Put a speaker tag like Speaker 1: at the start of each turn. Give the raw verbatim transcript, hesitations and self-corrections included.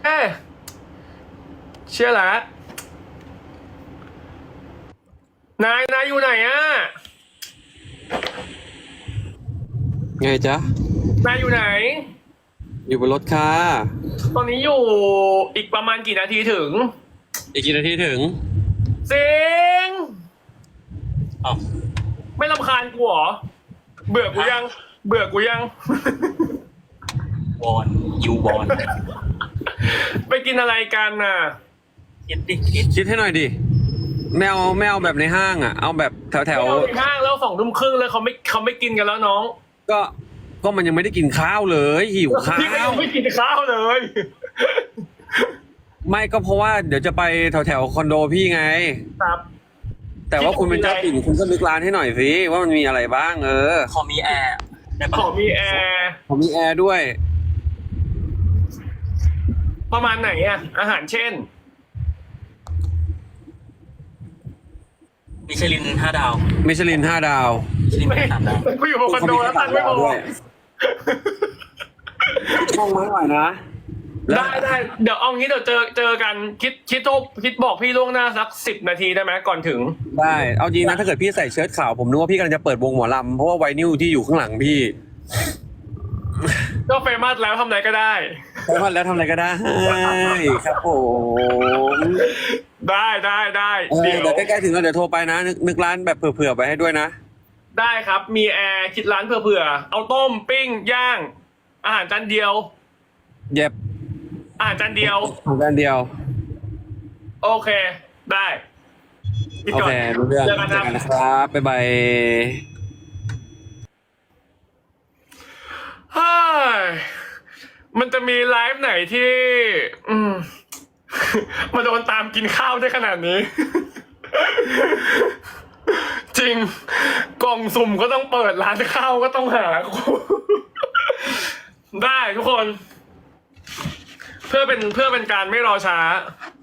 Speaker 1: เอ้ยเชื่อละนายนายอยู่ไหนอะ
Speaker 2: ไงจ๊ะ
Speaker 1: นายอยู่ไหน
Speaker 2: อยู่บนรถค่ะ
Speaker 1: ตอนนี้อยู่อีกประมาณกี่นาทีถึง
Speaker 2: อีกกี่นาทีถึง
Speaker 1: เสิง
Speaker 2: อ้าว
Speaker 1: ไม่รำคาญกูเหรอเบื่อกูยังเบื่อกูยัง
Speaker 3: วอนยูวอน
Speaker 1: ไปกินอะไรกันน่ะ
Speaker 3: คิดดิคิด
Speaker 2: คิดให้หน่อยดิไม่เอาไม่เอาแบบในห้างอ่ะเอาแบบแถวแถว
Speaker 1: ในห้างแล้วสองทุ่มครึ่งแล้วเขาไม่เขาไม่กินกันแล้วน้อง
Speaker 2: ก็ก็มันยังไม่ได้กินข้าวเลยหิวข้า
Speaker 1: พี่ก็ยั
Speaker 2: ว
Speaker 1: งไม่กินข้าวเลย
Speaker 2: ไม่ก็เพราะว่าเดี๋ยวจะไปแถวแถวคอนโดพี่ไง
Speaker 1: ครับ
Speaker 2: แต่ว่าคุณเป็นเจ้าถิ่นคุณก็นึกร้านให้หน่อยสิว่ามันมีอะไรบ้างเออ
Speaker 3: ขอมีแอร์ได้ปะ
Speaker 1: ขอมีแอร์
Speaker 2: ผมมีแอร์ด้วย
Speaker 1: ประมาณไหนอะอาหารเช่น
Speaker 3: มิชลินห้าดาว
Speaker 2: มิชลินห้าดาว
Speaker 3: มิชลิน
Speaker 1: ไม่
Speaker 3: สามดาว
Speaker 1: กูอยู่บนคอนโดแล้วตันไม่พอ
Speaker 2: ช่องไม้หน่อยนะ
Speaker 1: ได้ได้เดี๋ยวเอางี้เดี๋ยวเจอเจอกันคิดคิดโทรคิดบอกพี่ล่วงหน้าสักสิบนาทีได้ไหมก่อนถึง
Speaker 2: ได้เอาจริงนะถ้าเกิดพี่ใส่เชิ้ตขาวผมนึกว่าพี่กำลังจะเปิดวงหมอลำเพราะว่าไวนิลที่อยู่ข้างหลังพี่
Speaker 1: ก็เฟมัสแล้วทำอะไรก็ได้
Speaker 2: เฟมัสแล้วทำอะไรก็ได้ครับผม
Speaker 1: ได้ได้ได้
Speaker 2: เดี๋ยวใกล้ๆถึงแล้วเดี๋ยวโทรไปนะนึกนึกร้านแบบเผื่อๆไปให้ด้วยนะ
Speaker 1: ได้ครับมีแอร์คิดร้านเผื่อๆเอาต้มปิ้งย่างอาหารจานเดียว
Speaker 2: เย็บ
Speaker 1: อาหารจานเดียว
Speaker 2: อาหารจานเดียว
Speaker 1: โอเคได้
Speaker 2: โอเครู้เรื่องเจอกันนะครับบ๊ายบาย
Speaker 1: ฮ่ามันจะมีไลฟ์ไหนที่อืมมาโดนตามกินข้าวได้ขนาดนี้ จริงกล่องสุ่มก็ต้องเปิดร้านข้าวก็ต้องหา ได้ทุกคน เพื่อเป็นเพื่อเป็นการไม่รอช้า